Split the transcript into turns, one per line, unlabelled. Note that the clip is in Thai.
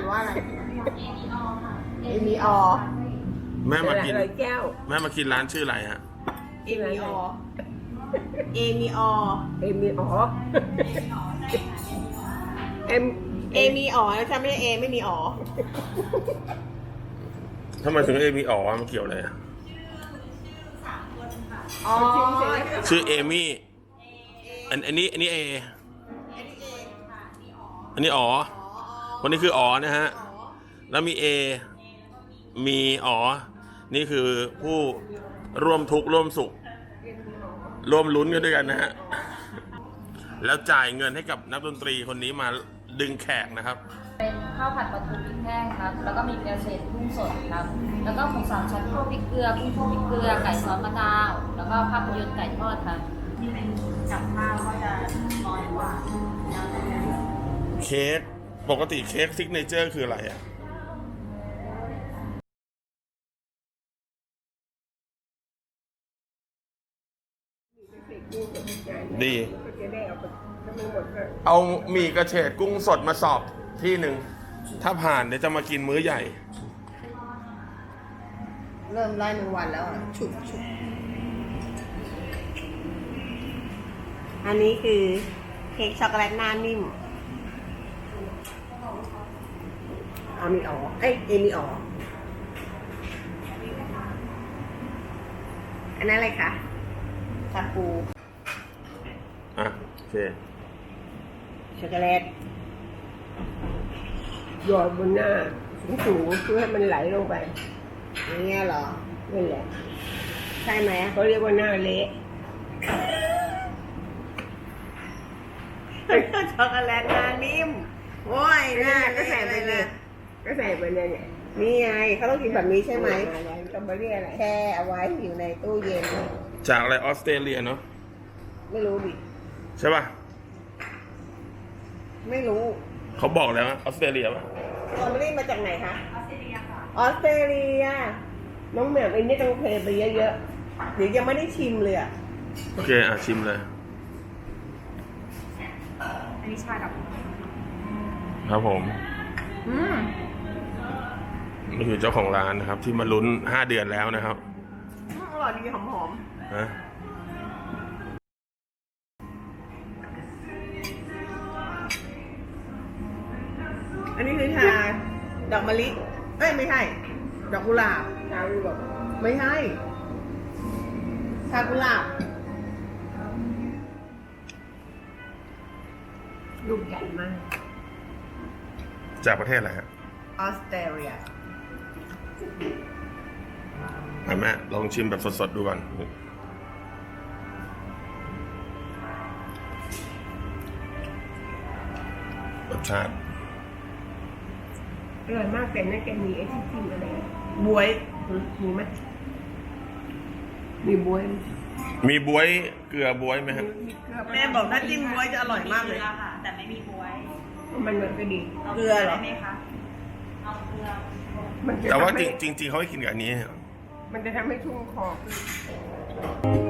านว่าอะไรเอมีออ
แม่มากิน
อะไรแก้ว
แม่มากินร้านชื่ออะไรฮะ
เอมีออเอมีออ
เอมีอ๋อเอ็ม
เอมีออนะจ๊ะไม่ใช่เอไม่มีออ
ทำไมถึงมีอ๋อมันเกี่ยวอะไรอะ
อ๋อ
ชื่อเอมี่อันนี้เออันนี้อ๋อคนนี้คืออ๋อนะฮะแล้วมีเอมีอ๋อนี่คือผู้ร่วมทุกข์ร่วมสุขร่วมลุ้นกันด้วยกันนะฮะแล้วจ่ายเงินให้กับนักดนตรีคนนี้มาดึงแขกนะครับ
เป็นข้าวผัดปลาทูพริกแห้งครับ แล้วก็มีเกลือเศษกุ้งสดครับ แล้วก็หมูสามชั้นคั่วพริกเกลือกุ้งคั่วพริกเกลือไก่ซอสมะนาว แล้วก็ภาพยนตร์ไก่ทอดครับที่เป็นกับข้าวก็จะน้อยกว่า
เค้กปกติเค้กซิกเนเจอร์คืออะไรอ่ะดี
ก็จะได้เอาไปถ้าไม่หมดก็
เอาหมี่กระเฉดกุ้งสดมาสอบที่หนึ่งถ้าผ่านเดี๋ยวจะมากินมื้อใหญ่
เริ่มไล่1 วันแล้วอ่ะฉุกอันนี้คือเค้กช็อกโกแลตหน้านิ่ม
อามีอ๋อเอ้ยเอมีอ๋อ
อันนั้นอะไรคะชาปู
อ่ะโอเค
ช็อกโกแลต
หยอดบนหน้าสูงๆเพื่อให้มันไหลลงไป
อย่างเงี้ยเหรอ
นั่นแหละ
ใช่ไหม
เขาเรียกว่าหน้าเละ
ช็อกโกแลตหน้านิ่มโอ้ยหน้า
ก็ใส่ไปเลยก็ใส่ไปเลยเนี่ย
นี่ไงเขาต้องกินแบบนี้ใช่ไหม
อะไรต้องมาเรียกอะไร
แช่เอาไว้อยู่ในตู้เย็น
จากอะไรออสเตรเลียเนาะ
ไม่รู้ดิ
ใช่ป่ะ
ไม่รู้
เขาบอกแล้วออสเตรเลียป่ะ
สตรอเบอรี่มาจากไหนคะ
ออสเตรเลียค่ะ
ออสเตรเลีย
น้องแหม่มไอ้นี่ต้องเทไปเยอะ
เดี๋ยวยังไม่ได้ชิมเลยอ่ะ
โอเคอ่ะชิมเลย
อันนี้ชาดอก
ครับผม
อืม
นี่คือเจ้าของร้านนะครับ ที่มาลุ้น5 เดือนแล้วนะครับ
อร่อยดีหอม
นะ
ๆ อันนี้คือชาดอกมะลิเอ้ยไม่ใช่ ดอกกุหลาบ
ๆชาวบอก
ไม่ใช่ ชากุหลาบ
ลูกใหญ่มาก
จากประเทศอะไรฮะ
ออสเตรเลีย
แม่ลองชิมแบบสดๆดูก่อนรสชาติ
อร่อยมากแต่นั่นแกมีไอ้ที่จิ้มอะไร
บวย
มีไหมมีบวย
มีบ๊วยเกลือบ๊วยไหมครับ
มีเกลือ
แม่บอกถ้าจิ้มบวยจะอร่อยมากเลย
ค่ะ แต่ไม่มีบ๊วย
มันเหมือนก็ดี
เกลือเหรอ
ได้ไหมคะ เอาเกลือ
มันจะ
แต่ว่า
ทำให้
จริงๆเขาให้กินกับอันนี้
มันจะทำให้ชุ่มคอขึ้น